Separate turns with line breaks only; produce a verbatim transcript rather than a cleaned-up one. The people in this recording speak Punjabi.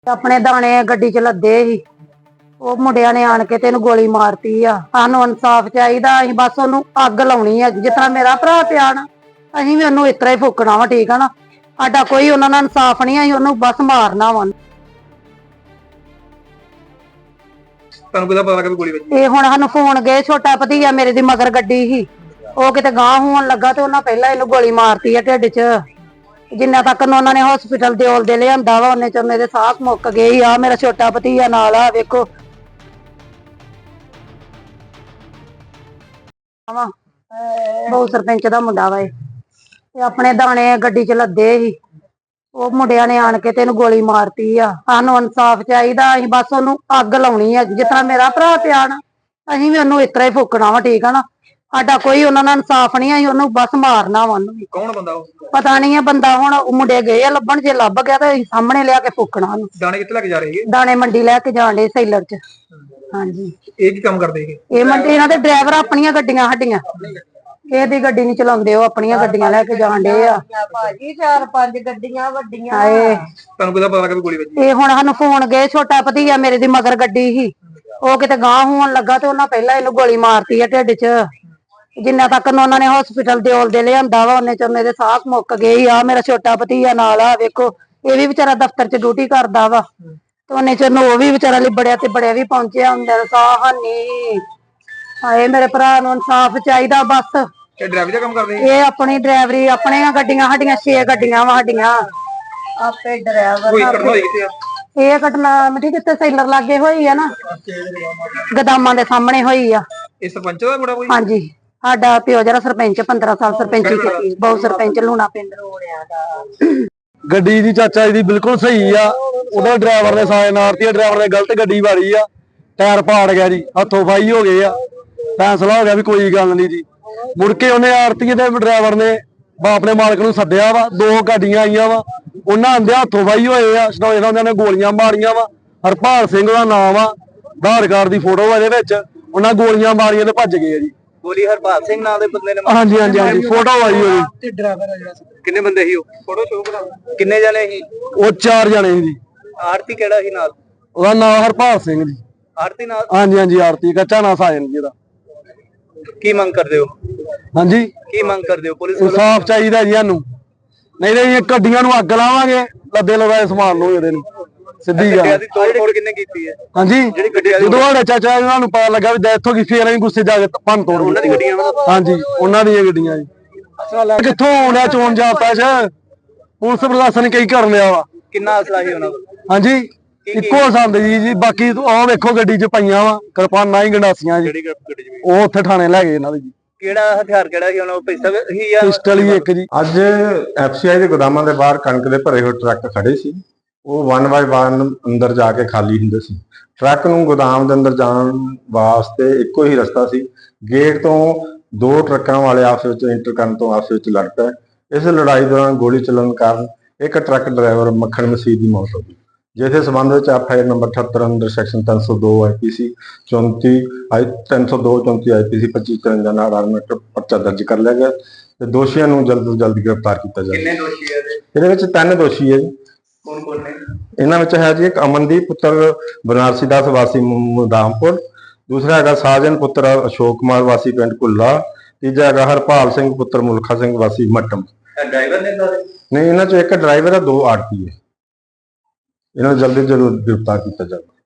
ਆਪਣੇ ਦਾਣੇ ਗੱਡੀ ਚ ਲੱਦੇ ਸੀ। ਉਹ ਮੁੰਡਿਆਂ ਨੇ ਆਣ ਕੇ ਤੇ ਇਹਨੂੰ ਗੋਲੀ ਮਾਰਤੀ ਆ। ਸਾਨੂੰ ਇਨਸਾਫ ਚਾਹੀਦਾ। ਅਸੀਂ ਬਸ ਉਹਨੂੰ ਅੱਗ ਲਾਉਣੀ ਆ। ਜਿਸ ਤਰ੍ਹਾਂ ਮੇਰਾ ਭਰਾ ਪਿਆ ਨਾ, ਅਸੀਂ ਵੀ ਉਹਨੂੰ ਇਸ ਤਰ੍ਹਾਂ ਹੀ ਫੂਕਣਾ ਵਾ। ਠੀਕ ਆ ਨਾ, ਸਾਡਾ ਕੋਈ ਉਹਨਾਂ ਨਾਲ ਇਨਸਾਫ ਨਹੀਂ। ਅਸੀਂ ਉਹਨੂੰ ਬਸ ਮਾਰਨਾ ਵਾ।
ਤੁਹਾਨੂੰ ਕਿਹਦਾ ਪਤਾ ਲੱਗਾ ਵੀ ਗੋਲੀ ਵੱਜੀ?
ਇਹ ਹੁਣ ਸਾਨੂੰ ਫੋਨ ਗਏ, ਛੋਟਾ ਭਤੀਆ ਮੇਰੇ ਦੀ ਮਗਰ ਗੱਡੀ ਸੀ, ਉਹ ਕਿਤੇ ਗਾਂਹ ਹੋਣ ਲੱਗਾ ਤੇ ਉਹਨਾਂ ਪਹਿਲਾਂ ਇਹਨੂੰ ਗੋਲੀ ਮਾਰਤੀ ਆ ਢਿੱਡ 'ਚ। ਜਿੰਨਾ ਤੱਕ ਉਹਨਾਂ ਨੇ ਹਸਪੀਟਲ ਦੇ ਔਲ ਦੇ ਲਿਆਂਦਾ ਵਾ, ਉਹਨੇ ਚ ਮੇਰੇ ਸਾਹ ਮੁੱਕ ਗਏ ਆ। ਮੇਰਾ ਛੋਟਾ ਭਤੀਆ ਨਾਲ ਆ, ਵੇਖੋ। ਬਹੁ ਸਰਪੰਚ ਦਾ ਮੁੰਡਾ ਵਾ ਇਹ। ਤੇ ਆਪਣੇ ਦਾਣੇ ਗੱਡੀ ਚ ਲੱਦੇ ਸੀ। ਉਹ ਮੁੰਡਿਆਂ ਨੇ ਆਣ ਕੇ ਤੇ ਇਹਨੂੰ ਗੋਲੀ ਮਾਰਤੀ ਆ। ਸਾਨੂੰ ਇਨਸਾਫ ਚਾਹੀਦਾ। ਅਸੀਂ ਬਸ ਉਹਨੂੰ ਅੱਗ ਲਾਉਣੀ ਆ। ਜਿਸ ਤਰ੍ਹਾਂ ਮੇਰਾ ਭਰਾ ਪਿਆ ਨਾ, ਅਸੀਂ ਵੀ ਉਹਨੂੰ ਇਸ ਤਰ੍ਹਾਂ ਹੀ ਫੂਕਣਾ ਵਾ। ਠੀਕ ਆ ਨਾ, ਸਾਡਾ ਕੋਈ ਉਹਨਾਂ ਨਾਲ ਇਨਸਾਫ ਨਹੀਂ। ਅਸੀਂ ਉਹਨੂੰ ਬਸ ਮਾਰਨਾ ਵਾ। ਉਹਨੂੰ
ਕੌਣ ਬੰਦਾ ਉਹ?
ਪਤਾ ਨਹੀਂ ਹੈ ਬੰਦਾ। ਹੁਣ ਉਹ ਮੁੰਡੇ ਗਏ ਆ ਲੱਭਣ, ਜੇ ਲੱਭ ਗਿਆ ਤਾਂ ਅਸੀਂ ਸਾਹਮਣੇ ਲਿਆ ਕੇ ਫੂਕਣਾ ਉਹਨੂੰ।
ਦਾਣੇ ਕਿੱਥੇ ਲੈ ਕੇ ਜਾ ਰਹੇ ਹੈਗੇ?
ਦਾਣੇ ਮੰਡੀ ਲੈ ਕੇ ਜਾਣ ਡੇ ਸੈਲਰ ਚ। ਹਾਂਜੀ।
ਇਹ ਕੀ ਕੰਮ ਕਰਦੇ ਹੈਗੇ?
ਇਹ ਮੰਡੀ ਇਹਨਾਂ ਦੇ ਡਰਾਈਵਰ ਆਪਣੀਆਂ ਗੱਡੀਆਂ ਸਾਡੀਆਂ, ਇਹਦੀ ਗੱਡੀ ਨਹੀਂ ਚਲਾਉਂਦੇ। ਉਹ ਆਪਣੀਆਂ ਗੱਡੀਆਂ ਲੈ ਕੇ ਜਾਣ ਡੇ ਆ
ਭਾਜੀ। ਚਾਰ ਪੰਜ ਗੱਡੀਆਂ ਵੱਡੀਆਂ।
ਹਾਏ,
ਤੁਹਾਨੂੰ ਕਿਹਦਾ ਪਤਾ ਲੱਗਾ ਵੀ ਗੋਲੀ ਵੱਜੀ?
ਇਹ ਹੁਣ ਸਾਨੂੰ ਫੋਨ ਗਏ, ਛੋਟਾ ਭਤੀਆ ਮੇਰੇ ਦੀ ਮਗਰ ਗੱਡੀ ਸੀ, ਉਹ ਕਿਤੇ ਗਾਂਹ ਹੋਣ ਲੱਗਾ ਤੇ ਉਹਨਾਂ ਪਹਿਲਾਂ ਇਹਨੂੰ ਗੋਲੀ ਮਾਰਤੀ ਆ ਢਿੱਡ 'ਚ। ਜਿੰਨਾ ਤੱਕ ਉਹਨਾਂ ਨੇ ਹਸਪੀਟਲ ਦੇ ਔਲ ਦੇ ਲਿਆਂਦਾ ਵਾ, ਉਹਨੇ ਚ ਮੇਰੇ ਸਾਹ ਮੁੱਕ ਗਏ ਆ। ਮੇਰਾ ਛੋਟਾ ਭਤੀਆ ਨਾਲ ਆ, ਵੇਖੋ। ਇਹ ਵੀ ਵਿਚਾਰਾ ਦਫ਼ਤਰ 'ਚ ਡਿਊਟੀ ਕਰਦਾ ਵਾ, ਤੇ ਉਹਨੇ ਚ ਉਹ ਵੀ ਵਿਚਾਰਾ ਲਿਬੜਿਆ ਤੇ ਬੜਿਆ ਵੀ ਪਹੁੰਚਿਆ ਹੁੰਦਾ। ਸਾਹ ਹਾਨੀ। ਹਾਏ, ਮੇਰੇ ਭਰਾ ਨੂੰ ਇਨਸਾਫ ਚਾਹੀਦਾ ਬਸ।
ਇਹ ਡਰਾਈਵਰ ਦਾ ਕੰਮ ਕਰਦੇ?
ਇਹ ਆਪਣੀ ਡਰਾਈਵਰੀ, ਆਪਣੀਆਂ ਗੱਡੀਆਂ ਸਾਡੀਆਂ ਛੇ ਗੱਡੀਆਂ ਵਾ ਸਾਡੀਆਂ।
ਆਪੇ ਡਰਾਈਵਰ
ਕੋਈ ਘਟਨਾ ਹੋਈ ਕਿੱਥੇ ਆ?
ਇਹ ਘਟਨਾ ਮਿੱਠੀ ਕਿਤੇ ਸੈਲਰ ਲਾਗੇ ਹੋਈ ਆ ਨਾ, ਗਦਾਮਾਂ ਦੇ ਸਾਹਮਣੇ ਹੋਈ ਆ।
ਇਹ ਸਰਪੰਚ ਦਾ ਮੁੰਡਾ ਕੋਈ?
ਹਾਂਜੀ, ਸਾਡਾ ਪਿਓ ਜਿਹੜਾ ਸਰਪੰਚ ਪੰਦਰਾਂ ਸਾਲ ਸਰਪੰਚੀ ਕੀਤੀ, ਬਹੁਤ ਸਰਪੰਚ ਲੂਣਾ ਪਿੰਡ ਰੋੜਿਆ ਦਾ।
ਗੱਡੀ ਦੀ ਚਾਚਾ ਜੀ ਦੀ ਬਿਲਕੁਲ ਸਹੀ ਆ। ਉਹਦਾ ਡਰਾਈਵਰ ਨੇ ਸਾਇਨ ਮਾਰਤੀ ਆ, ਡਰਾਈਵਰ ਨੇ ਗਲਤ ਗੱਡੀ ਵਾਰੀ ਆ, ਟਾਇਰ ਪਾੜ ਗਿਆ ਜੀ, ਹੱਥੋਂ ਫਾਈ ਹੋ ਗਏ ਆ। ਫੈਸਲਾ ਹੋ ਗਿਆ ਵੀ ਕੋਈ ਗੱਲ ਨਹੀਂ ਜੀ। ਮੁੜ ਕੇ ਉਹਨੇ ਆਰਤੀ ਦੇ ਡਰਾਈਵਰ ਨੇ ਆਪਣੇ ਮਾਲਕ ਨੂੰ ਸੱਦਿਆ ਵਾ। ਦੋ ਗੱਡੀਆਂ ਆਈਆਂ ਵਾ, ਉਹਨਾਂ ਆਂਦੇ ਹੱਥੋਂ ਫਾਈ ਹੋਏ ਆ। ਸਟੋਏ ਨਾਲ ਉਹਨਾਂ ਨੇ ਗੋਲੀਆਂ ਮਾਰੀਆਂ ਵਾ। ਹਰਪਾਲ ਸਿੰਘ ਦਾ ਨਾਮ ਆ, ਆਧਾਰ ਕਾਰਡ ਦੀ ਫੋਟੋ ਆ ਇਹਦੇ ਵਿੱਚ। ਉਹਨਾਂ ਗੋਲੀਆਂ ਮਾਰੀਆਂ ਤੇ ਭੱਜ ਗਏ ਆ ਜੀ।
ਗੋਲੀ ਹਰਪਾਲ ਸਿੰਘ ਨਾਂ ਦੇ ਬੰਦੇ ਨੇ?
ਹਾਂਜੀ ਹਾਂਜੀ ਹਾਂਜੀ, ਫੋਟੋ ਆਈ ਹੋਈ।
ਤੇ ਡਰਾਈਵਰ ਆ ਜਿਹੜਾ? ਕਿੰਨੇ ਬੰਦੇ ਸੀ ਉਹ? ਫੋਟੋ ਸ਼ੋਅ ਕਰਾ। ਕਿੰਨੇ ਜਣੇ ਸੀ
ਉਹ? ਚਾਰ ਜਣੇ ਸੀ ਜੀ।
ਆਰਤੀ ਕਿਹੜਾ ਸੀ ਨਾਲ?
ਉਹਦਾ ਨਾਮ ਹਰਪਾਲ ਸਿੰਘ ਜੀ।
ਆਰਤੀ ਨਾਲ?
ਹਾਂਜੀ ਹਾਂਜੀ, ਆਰਤੀ ਕੱਚਾ ਨਾ ਸਾਜਨ ਜੀ ਦਾ।
ਕੀ ਮੰਗ ਕਰਦੇ ਹੋ?
ਹਾਂਜੀ,
ਕੀ ਮੰਗ ਕਰਦੇ ਹੋ? ਪੁਲਿਸ ਵੱਲੋਂ
ਇਨਸਾਫ ਚਾਹੀਦਾ ਜੀ ਸਾਨੂੰ। ਨਹੀਂ ਤਾਂ ਇਹ ਗੱਡੀਆਂ ਨੂੰ ਅੱਗ ਲਾਵਾਂਗੇ, ਲੱਦੇ ਲਗਾਏ ਸਮਾਨ ਨੂੰ। ਇਹਦੇ ਨੂੰ ਸਿੱਧੀ ਗੱਲ।
ਗੱਡੀਆਂ ਦੀ ਤੋੜ ਫੋੜ ਕਿੰਨੇ ਕੀਤੀ ਹੈ?
ਹਾਂਜੀ,
ਜਿਹੜੀ ਗੱਡੀਆਂ ਦੀ
ਜਦੋਂ ਸਾਡੇ ਚਾਚਾ ਇਹਨਾਂ ਨੂੰ ਪਤਾ ਲੱਗਾ ਵੀ ਡੈਥ ਹੋ ਗਈ, ਫੇਰ ਅਸੀਂ ਗੁੱਸੇ ਜਾ ਕੇ ਭੰਨ ਤੋੜ
ਉਹਨਾਂ ਦੀ ਗੱਡੀਆਂ?
ਹਾਂਜੀ, ਉਹਨਾਂ ਦੀਆਂ ਗੱਡੀਆਂ ਜੀ। ਕਿੱਥੋਂ ਆਉਣਾ ਚੋਣ ਜਾਪਾ ਚ? ਪੁਲਿਸ ਪ੍ਰਸ਼ਾਸਨ ਕਈ ਕਰ ਲਿਆ ਵਾ।
ਕਿੰਨਾ ਅਸਲਾ ਸੀ ਉਹਨਾਂ ਕੋਲ?
ਹਾਂਜੀ, ਇੱਕੋ ਸੰਦ ਜੀ ਜੀ। ਬਾਕੀ ਉਹ ਵੇਖੋ ਗੱਡੀ ਚ ਪਈਆਂ ਵਾ ਕਿਰਪਾਨਾਂ ਹੀ, ਗੰਡਾਸੀਆਂ ਜੀ।
ਜਿਹੜੀ ਗੱਡੀ ਚ?
ਉਹ ਉੱਥੇ ਥਾਣੇ ਲੈ ਗਏ ਇਹਨਾਂ ਦੇ ਜੀ।
ਕਿਹੜਾ ਹਥਿਆਰ ਕਿਹੜਾ ਸੀ ਉਹਨਾਂ ਕੋਲ? ਪਿਸਤਲ ਸੀ ਜਾਂ
ਪਿਸਟਲ ਹੀ ਇੱਕ ਜੀ।
ਅੱਜ ਐਫਸੀਆਈ ਦੇ ਗੋਦਾਮਾਂ ਦੇ ਬਾਹਰ ਕਣਕ ਦੇ ਭਰੇ ਹੋਏ ਟਰੱਕ ਖੜੇ ਸੀ। ਉਹ ਵਨ ਬਾਏ ਵਨ ਅੰਦਰ ਜਾ ਕੇ ਖਾਲੀ ਹੁੰਦੇ ਸੀ। ਟਰੱਕ ਨੂੰ ਗੋਦਾਮ ਦੇ ਅੰਦਰ ਜਾਣ ਵਾਸਤੇ ਇੱਕੋ ਹੀ ਰਸਤਾ ਸੀ। ਗੇਟ ਤੋਂ ਦੋ ਟਰੱਕਾਂ ਵਾਲੇ ਆਪਸ ਵਿੱਚ ਇੰਟਰ ਕਰਨ ਤੋਂ ਆਪਸ ਵਿੱਚ ਲੜ ਪਏ। ਇਸ ਲੜਾਈ ਦੌਰਾਨ ਗੋਲੀ ਚੱਲਣ ਕਾਰਨ ਇੱਕ ਟਰੱਕ ਡਰਾਈਵਰ ਮੱਖਣ ਮਸੀਹ ਦੀ ਮੌਤ ਹੋ ਗਈ, ਜਿਸ ਦੇ ਸੰਬੰਧ ਵਿੱਚ ਐਫ ਆਈ ਆਰ ਨੰਬਰ ਅਠੱਤਰ ਅੰਦਰ ਸੈਕਸ਼ਨ ਤਿੰਨ ਸੌ ਦੋ ਆਈ ਪੀ ਸੀ ਚੌਂਤੀ ਤਿੰਨ ਸੌ ਦੋ ਚੌਂਤੀ ਆਈ ਪੀ ਸੀ ਪੱਚੀ ਚੁਰੰਜਾ ਨਾਲ ਆਰਮਟ ਪਰਚਾ ਦਰਜ ਕਰ ਲਿਆ ਗਿਆ ਤੇ ਦੋਸ਼ੀਆਂ ਨੂੰ ਜਲਦ ਤੋਂ ਜਲਦ ਗ੍ਰਿਫਤਾਰ ਕੀਤਾ ਜਾਵੇ।
ਕਿੰਨੇ ਦੋਸ਼ੀ ਹੈ ਇਹਦੇ?
ਇਹਦੇ ਵਿੱਚ ਤਿੰਨ ਦੋਸ਼ੀ ਹੈ ਜੀ।
ਕੌਣ ਕੌਣ ਨੇ?
ਇਹਨਾਂ ਵਿੱਚ ਹੈ ਜੀ ਇੱਕ ਅਮਨਦੀਪ ਪੁੱਤਰ ਬਨਾਰਸੀ ਦਾਸ ਵਾਸੀ ਮੁਦਾਮਪੁਰ, ਦੂਸਰਾ ਹੈਗਾ ਸਾਜਨ ਪੁੱਤਰ ਅਸ਼ੋਕ ਕੁਮਾਰ ਵਾਸੀ ਪਿੰਡ ਕੁੱਲਾ, ਤੀਜਾ ਹੈਗਾ ਹਰਪਾਲ ਸਿੰਘ ਪੁੱਤਰ ਮੁਲਖਾ ਸਿੰਘ ਵਾਸੀ ਮੱਟਮ।
ਡਰਾਈਵਰ ਨੇ ਸਾਰੇ?
ਨਹੀਂ, ਇਹਨਾਂ ਚੋਂ ਇੱਕ ਡਰਾਈਵਰ ਹੈ, ਦੋ ਆੜਤੀ ਹੈ। ਇਹਨਾਂ ਨੂੰ ਜਲਦੀ ਜਲਦ ਗ੍ਰਿਫਤਾਰ ਕੀਤਾ ਜਾਵੇ।